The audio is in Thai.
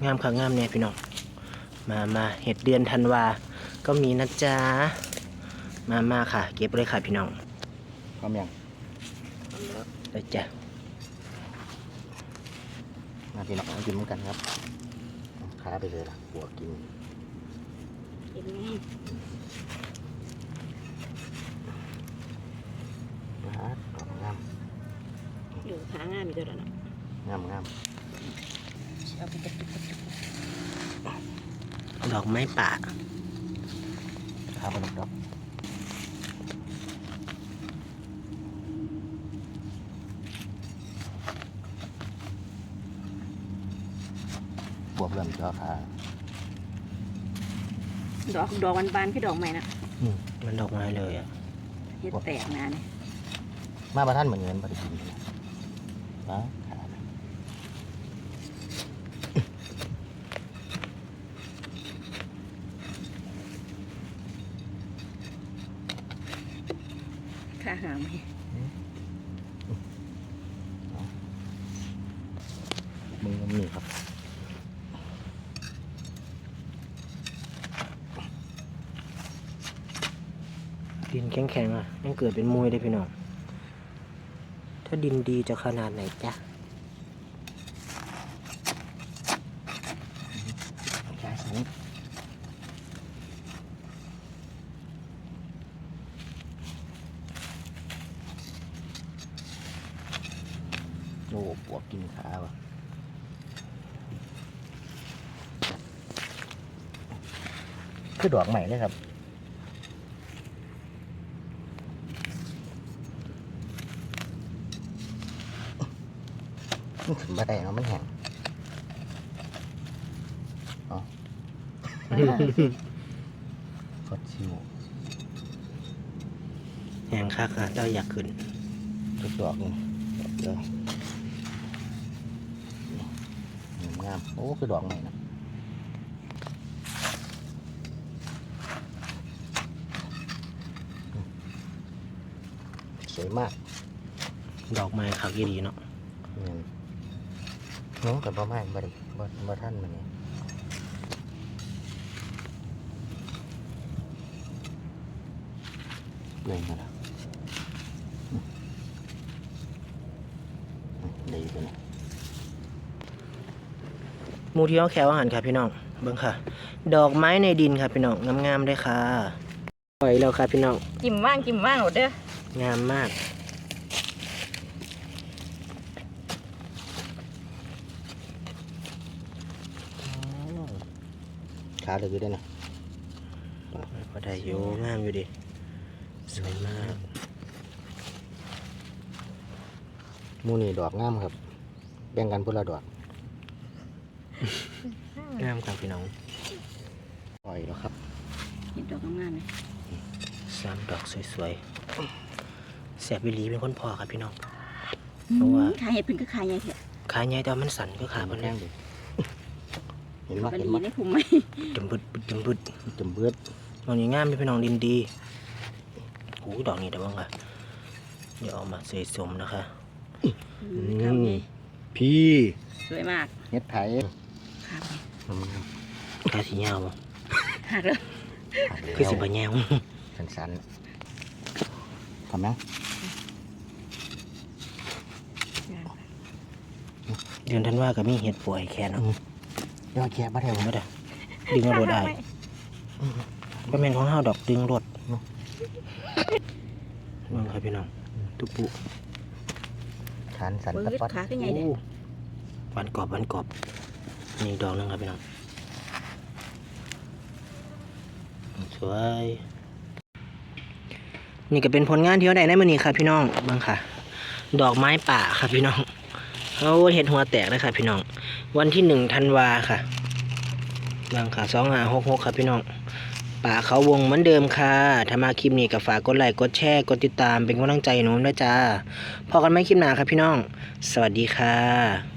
งามค่ะงามเนี่ยพี่น้องมาเห็ดเดือนธันวาก็มีนะจ๊ะมาค่ะเก็บเลยค่ะพี่น้องพร้อมยังได้จ้ะมาพี่น้องกินเหมือนกันครับขาไปเลยล่ะหัวกินงามอยู่ขางามอีกแล้วเนาะงามเอาไปกระตุกดอกไม้ป่าขาไปดอกบวบเริ่มจ่อขาดอกบานๆคือดอกใหม่นะมันดอกไม้เลยอ่ะเฮ็ดแตกนะเนี่ยมาประท่านเหมือนเงินปฏิทินนะขาหามมึงมีครับดินแข็งๆอ่ะยังเกิดเป็นมวยเลยพี่น้องถ้าดินดีจะขนาดไหนจ๊ะใช่สิโอ้ปวดกินขาวะคือดอกใหม่เลยครับมันถึงบ่ได้เนาะมันแห้งอ๋อฟดชิวแห้งคักอ่ะเราอยากขึ้นทุกดอกนี่ดอกเดียวงามโอ้คือดอกใหม่นะสวยมากดอกไม้คักยี่ดีเนาะน้องกับพ่อแม่บ่ท่านมันนี่เลยมาแล้วดีไปเลยมูที่เขาแควอาหารค่ะพี่น้องเบิ่งค่ะดอกไม้ในดินค่ะพี่น้องงามๆด้วยค่ะปล่อยแล้วค่ะพี่น้องจิ้มว่างหมดเด้องามมากขาเลยอยู่ได้นะพอได้อยู่งามอยู่ดิสวยมากมูนี่ดอกงามครับแบ่งกันพุ่ละดอกงามครับพี่น้องปล่อยแล้วครับเห็นดอกงามเลย 3 ดอกสวยๆแสบวิลีเป็นคนพอครับพี่น้องเพราะว่าขาเห็ดเป็นก็ขาใหญ่เถอะขาใหญ่แต่มันสั่นก็ขาบนแรงดิเห็นมั้ยได้คุ้มไหมจมบึดมันยังงามพี่น้องดินดีโอ้ดอกนี้เดี๋ยวบ้างค่ะเดี๋ยวเอามาเสยสมนะคะพี่สวยมากเฮ็ดไผ่ขาสีเงาหักเลยคือสิบะแงวสันๆทำนะเดือนธันวาก็มีเห็ดป่วยแค่นั้นยอดแค่บ้าเทวไม่ได้ดึงรถได้ก็เป็นของห้าดอกดึงรถมองครับพี่น้องตุปุสันตะปัดขาขึ้นไงเด็กวันกอบนี่ดอกนึงครับพี่น้องสวยนี่ก็เป็นผลงานที่เราได้ในมื้อนี้ครับพี่น้องบ้างค่ะดอกไม้ป่าครับพี่น้องเขาเห็ดหัวแตกเลยค่ะพี่น้องวันที่1 ธันวาค่ะบ้างค่ะ2566ครับพี่น้องป่าเขาวงเหมือนเดิมค่ะถ้ามาคลิปนี้ก็ฝากกดไลค์กดแชร์กดติดตามเป็นกำลังใจหนูด้วยจ้าพอกันไหมคลิปหน้าครับพี่น้องสวัสดีค่ะ